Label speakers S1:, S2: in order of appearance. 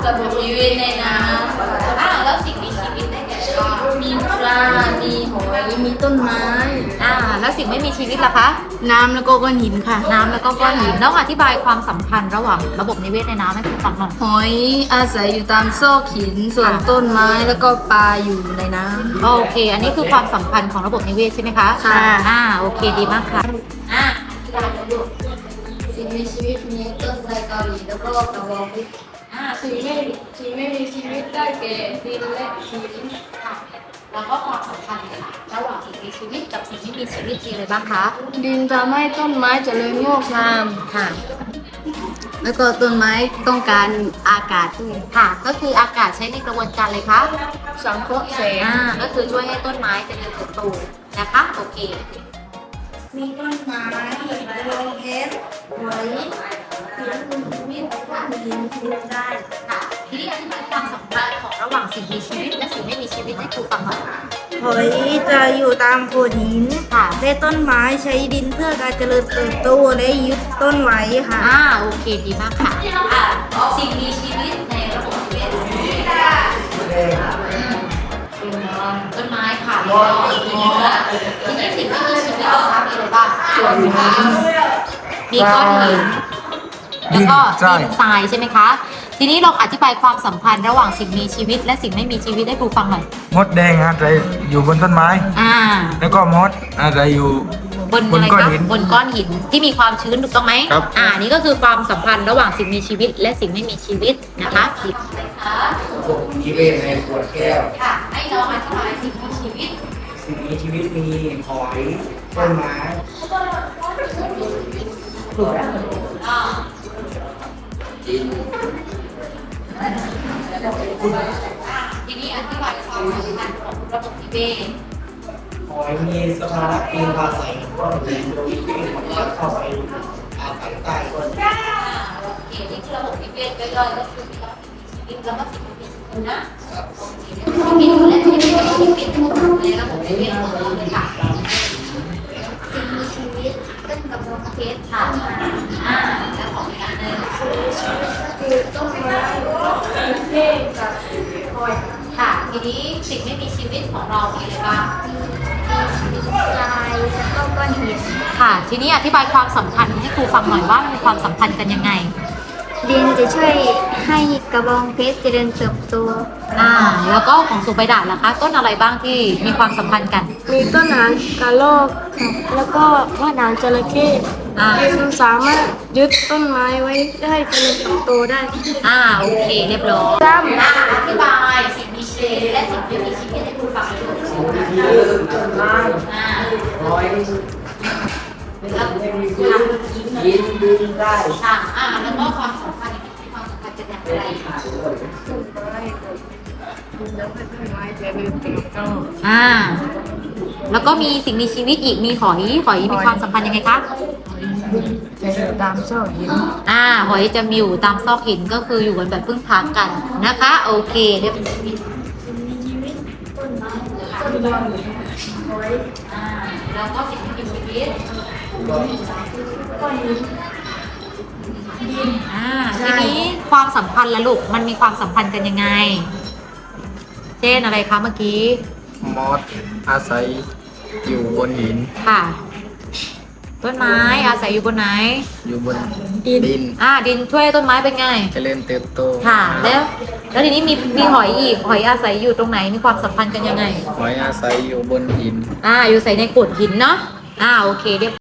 S1: ระบบนิเวศในน้ำแล้วสิ่งมีชีวิตได้แก่มีปลา มีหอย มีต้นไม้
S2: แล้วสิ่งไม่มีชีวิตล่ะคะ
S1: น้ำแล้วก็ก้อนหินค่ะ
S2: น้ำแล้วก็ก้อนหินน้องอธิบายความสัมพันธ์ระหว่างระบบนิเวศในน้ำให้คุณฟังหน่อย
S1: หอยอาศัยอยู่ตามซอกหิน ส่วนต้นไม้แล้วก็ปลาอยู่ในน้ำ
S2: โอเค อันนี้คือความสัมพันธ์ของระบบนิเวศใช่ไหมคะ
S1: ค่ะ
S2: โอเคดีมากค่ะ
S1: สิ่งมีชีวิตมีต้นไทรเกาหลีแล้วก็กระบองเพชรสิ่งไม่มีชีวิตได้แก่ดินและหิน
S2: ค่ะ แล้วก็ความสัมพันธ์ค่ะระหว่างสิ่งมีชีวิตกับสิ่งที่มีชีวิตมีอะไรบ้างคะ
S1: ดินทำให้ต้นไม้เจริญงอกงาม
S2: ค่ะ
S1: แล้วก็ต้นไม้ต้องการอากาศด้วย
S2: ค่ะ ก็คืออากาศใช้ในกระบวนการเลยคะ
S1: สังเคราะห์แสง
S2: ก็คือช่วยให้ต้นไม้เจริญเติบโตนะคะ โอเค
S1: มีต้นไม้กระบองเพชรหอยมีดินชีวิตได้
S2: ค่ะ ทีนี้อธิบายความสัมพันธ์ของระหว่างสิ่งมีชีวิตและสิ่งไม่มีชีวิตให้ครูฟังหน่อย
S3: หอยจะอยู่ตามโขดหิน
S2: ค่ะ
S3: และต้นไม้ใช้ดินเพื่อการเจริญเติบโตและยึดต้นไว้ค่ะ
S2: โอเคดีมากค่ะสิ่งมีชีวิตในระบบนิเวศต้นไม้ค่ะแล้วก็ทีนี้สิ่งที่มีชีวิตนะคะมีอะไรบ้างมีก้อนหินแล้วก็ดินทรายใช่ไหมคะ ทีนี้ลองอธิบายความสัมพันธ์ระหว่างสิ่งมีชีวิตและสิ่งไม่มีชีวิตให้ครูฟังหน่อย
S4: มดแดงอาศัยอยู่บนต้นไม้ แล้วก็มดอาศัยอยู่
S2: บนอะไร
S4: ก้อน
S2: คะ
S4: หิน
S2: บนก้อนหินที่มีความชื้นถูกต้องไหม
S4: ครับ
S2: นี่ก็คือความสัมพันธ์ระหว่างสิ่งมีชีวิต และสิ่งไม่มีชีวิตนะคะ
S5: นิเวศในขวดแก้ว
S2: ค่ะ ให้น้องอธิบายสิ่งมีชีวิต
S5: สิ่งมีชีวิตมีหอยต้นไม้ ดิน
S2: ทีนี้อธิบายความสัมพันธ์ของระบบนิเวศ
S5: หอยมีสภาพดินอาศัยก้อนหินโดยที่มันก็เข้าไปอาศัยใต้ก้อนหิน
S2: โอเคนี่คือระบบนิเวศย่อยๆก็คือมีระบบชีวิตแล้วก็สิ่งมีชีวิตนะชีวิตและสิ่งไม่มีชีวิตในระบบนิเวศของเราเลยค่ะ
S6: สิ่งมีชีวิตต้นกระบองเพชร
S2: ค่ะแล้วของอีกอันหนึ่ง
S1: คือต้นไม้เทศกับหอย
S2: ค่ะ ทีนี้สิ่งไม่มีชีวิตของเรามีอะไรบ้าง
S6: ทรายแล้วก็ก้อนหิน
S2: ค่ะ ทีนี้อธิบายความสัมพันธ์ให้ครูฟังหน่อยว่ามีความสัมพันธ์กันยังไง
S6: ดินจะช่วยให้กระบองเพชรเจริญเติบโต
S2: แล้วก็ของสุใบดาล่ะคะ ต้นอะไรบ้างที่มีความสัมพันธ์กัน
S1: มีต้นหางกระรอกค่ะแล้วก็ว่าหนางจระเข้มันสามารถยึดต้นไม้ไว้ได้เจริญเติบโตได้
S2: โอเคเรียบร้อยอธิบายสิ่งมีชีวิตและสิ่งไม่มีชีวิตให้ครูฟังหน่อย
S5: ต้นไม้หอยดินดินได้
S2: แล้วก็ความสัมพันธ์มีความสัมพันธ์กันอย่างไรแล้วก็มีสิ่งมีชีวิตอีก มีหอยมีความสัมพันธ์ยังไงคะ
S1: จะอยู่ตามซอกหิน
S2: หอยจะมีอยู่ตามซอกหินก็คืออยู่กันแบบพึ่งพากันนะคะ โอเคเรียบร้อยแล้วก็สิ่งที่มีชีวิตทีนี้ความสัมพันธ์ละลูกมันมีความสัมพันธ์กันยังไง เช่นอะไรคะเมื่อกี้
S4: มดอาศัยอยู่บนหิน
S2: ค่ะ ต้นไม้อาศัยอยู่บนไหน
S4: อยู่บน
S2: ดิน
S4: ดิน
S2: ดินช่วยต้นไม้เป็นไง
S4: เจริญเติบโต
S2: ค่ะ แล้วทีนี้มีหอยอีก หอยอาศัยอยู่ตรงไหน มีความสัมพันธ์กันยังไง
S4: หอยอาศัยอยู่บนหิน
S2: อยู่ใส่ในโขดหินเนาะโอเคเรียบ